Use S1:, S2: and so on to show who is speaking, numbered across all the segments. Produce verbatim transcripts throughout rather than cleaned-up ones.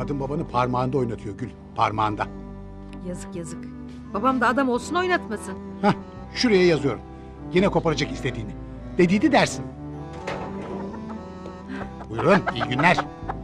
S1: Kadın babanı parmağında oynatıyor Gül. Parmağında.
S2: Yazık yazık. Babam da adam olsun oynatmasın.
S1: Hah, şuraya yazıyorum. Yine koparacak istediğini. Dediydi dersin. Buyurun, iyi günler.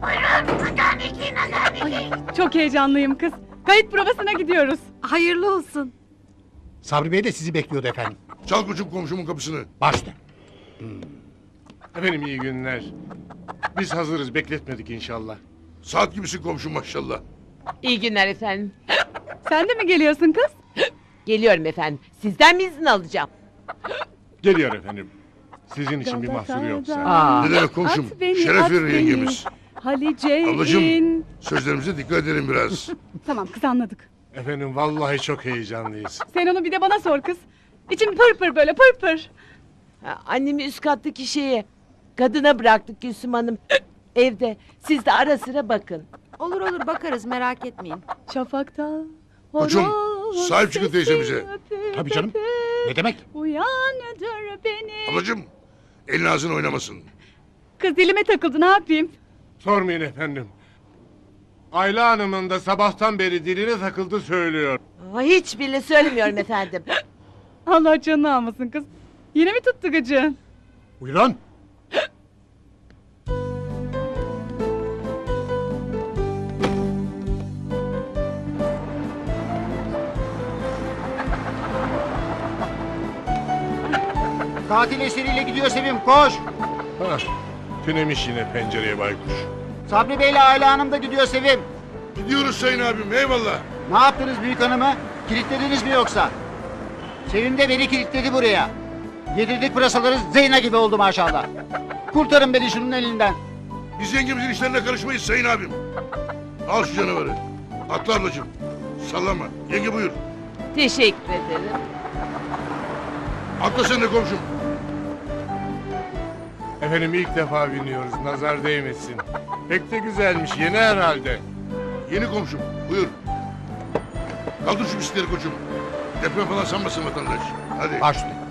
S3: Çok heyecanlıyım kız. Kayıt provasına gidiyoruz.
S2: Hayırlı olsun.
S1: Sabri Bey de sizi bekliyordu efendim.
S4: Çal koçum komşumun kapısını.
S1: Başla.
S5: Efendim iyi günler. Biz hazırız, bekletmedik inşallah.
S4: Saat gibisin komşum maşallah.
S6: İyi günler efendim.
S3: Sen de mi geliyorsun kız?
S6: Geliyorum efendim. Sizden mi izin alacağım?
S5: Geliyor efendim. Sizin için bir mahsuru yoksa.
S6: Aa.
S4: Ne demek komşum?
S3: At beni,
S4: Şeref
S3: at
S4: verir
S3: beni.
S4: yengemiz.
S3: Halice
S4: Ablacığım
S3: in.
S4: sözlerimize dikkat edelim biraz.
S3: Tamam kız anladık.
S5: Efendim vallahi çok heyecanlıyız.
S3: Sen onu bir de bana sor kız. İçim pır pır böyle pır pır.
S6: Ha, annemi üst kattaki şeye kadına bıraktık Gülsüm Hanım. Evde. Siz de ara sıra bakın.
S2: Olur olur bakarız merak etmeyin.
S3: Şafakta
S4: Koçum,
S3: horoz
S4: sahip çıkın
S3: sesi
S4: teyzemize.
S3: öpüp
S1: Tabii canım.
S3: öpüp
S1: Ne demek?
S3: Uyandır beni.
S4: Ablacığım elin ağzın oynamasın.
S3: Kız dilime takıldı ne yapayım?
S5: Sormayın efendim. Ayla Hanım'ın da sabahtan beri diline takıldı söylüyor.
S6: Aa, hiç bile söylemiyorum efendim.
S3: Allah canını almasın kız. Yine mi tuttu gıcı?
S1: Buyurun.
S7: Tatil eseriyle gidiyor Sevim, koş.
S5: Hah, tünemiş yine pencereye baykuş.
S7: Sabri Bey'le Ayla Hanım da gidiyor Sevim.
S4: Gidiyoruz sayın abim eyvallah.
S7: Ne yaptınız büyük hanımı? Kilitlediniz mi yoksa? Sevim de beni kilitledi buraya. Yedirdik pırasaları Zeyna gibi oldu maşallah. Kurtarın beni şunun elinden.
S4: Biz yengemizin işlerine karışmayız sayın abim. Al şu canavarı. Atla ablacığım. Sallama. Yenge buyur.
S6: Teşekkür ederim.
S4: Atla sen de komşum.
S5: Efendim ilk defa biniyoruz, nazar değmesin. Pek de güzelmiş, yeni herhalde.
S4: Yeni komşum. Buyur. Kaldır şu bisikleri koçum. Deprem falan sanmasın vatandaş. Hadi.
S1: Baş üstüne.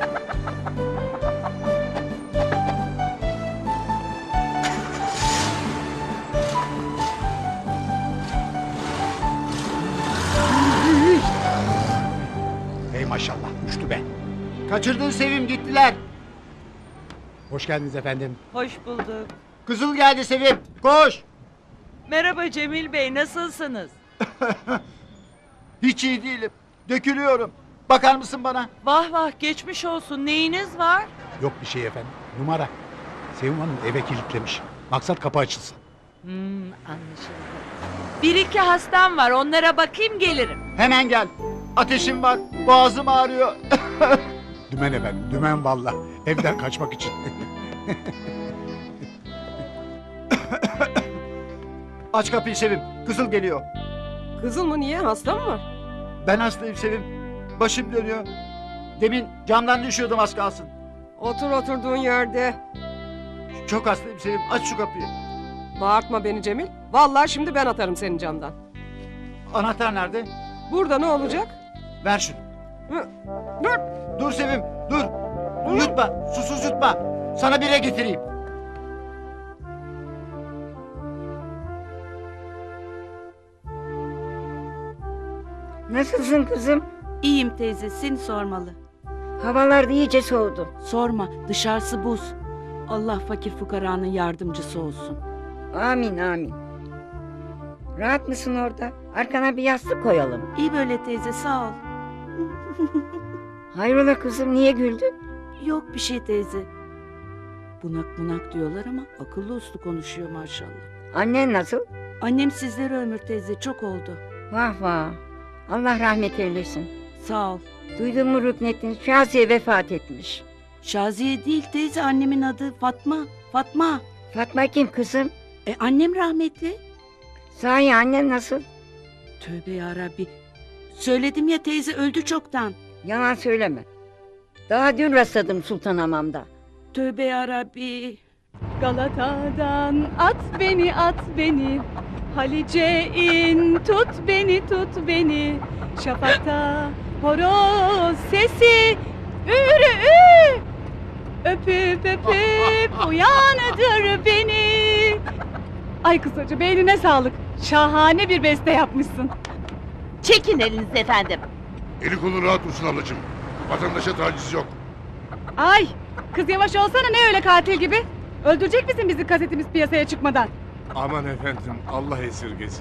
S1: Hey maşallah uçtu be.
S7: Kaçırdın Sevim, gittiler.
S1: Hoş geldiniz efendim.
S8: Hoş bulduk.
S7: Kızıl geldi Sevim, koş.
S8: Merhaba Cemil Bey, nasılsınız?
S7: Hiç iyi değilim. Dökülüyorum. Bakar mısın bana?
S8: Vah vah, geçmiş olsun. Neyiniz var?
S1: Yok bir şey efendim. Numara. Sevim Hanım eve kilitlemiş. Maksat kapı açılsın.
S8: Hmm, anlaşıldı. Bir iki hastam var, onlara bakayım gelirim.
S7: Hemen gel. Ateşim var, boğazım ağrıyor.
S1: Dümen efendim. Dümen valla. Evden kaçmak için.
S7: Aç kapıyı Sevim, Kızıl geliyor.
S2: Kızıl mı niye hasta mı var?
S7: Ben hastayım Sevim. Başım dönüyor. Demin camdan düşüyordum az kalsın.
S9: Otur oturduğun yerde.
S7: Çok hastayım Sevim. Aç şu kapıyı.
S9: Bağırtma beni Cemil. Vallahi şimdi ben atarım senin camdan.
S7: Anahtar nerede?
S9: Burada ne olacak?
S7: Ver şunu.
S9: Hı, Dur.
S7: Dur Sevim, dur. Yutma, susuz yutma. Sana bire getireyim.
S10: Nasılsın kızım?
S8: İyiyim teyze, seni sormalı.
S10: Havalar iyice soğudu.
S8: Sorma, dışarısı buz. Allah fakir fukaranın yardımcısı olsun.
S10: Amin amin. Rahat mısın orada? Arkana bir yastık koyalım.
S8: İyi böyle teyze, sağ ol.
S10: Hayrola kızım, niye güldün?
S8: Yok bir şey teyze. Bunak bunak diyorlar ama akıllı uslu konuşuyor maşallah.
S10: Annen nasıl?
S8: Annem sizleri ömür teyze, çok oldu.
S10: Vah vah. Allah rahmet eylesin.
S8: Sağ ol.
S10: Duydun mu Rüknettin? Şaziye vefat etmiş.
S8: Şaziye değil teyze, annemin adı Fatma. Fatma.
S10: Fatma kim kızım?
S8: E annem rahmetli.
S10: Sahi annen nasıl?
S8: Tövbe yarabbi. Söyledim ya teyze, öldü çoktan.
S10: Yalan söyleme. Daha dün rastladım Sultanhamam'da.
S8: Tövbe yarabbi.
S3: Galata'dan at beni at beni. Halice in tut beni tut beni. Şafakta horoz sesi ürü ü. Öpüp öpüp uyandır beni. Ay kısacı beynine sağlık. Şahane bir beste yapmışsın.
S6: Çekin elinizi efendim.
S4: Eli kolu rahat dursun ablacığım. Vatandaşa taciz yok.
S3: Ay kız yavaş olsana, ne öyle katil gibi? Öldürecek misin bizi kasetimiz piyasaya çıkmadan?
S5: Aman efendim Allah esirgesin.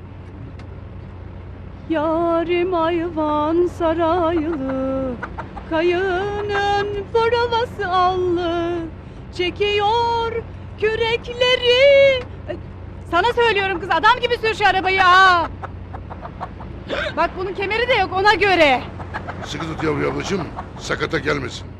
S3: Yarim ayvan saraylı, kayının provası allı, çekiyor kürekleri. Sana söylüyorum kız, adam gibi sür şu arabayı ha. Bak bunun kemeri de yok, ona göre.
S4: Sıkı tut yavru ablacığım. Sakata gelmesin.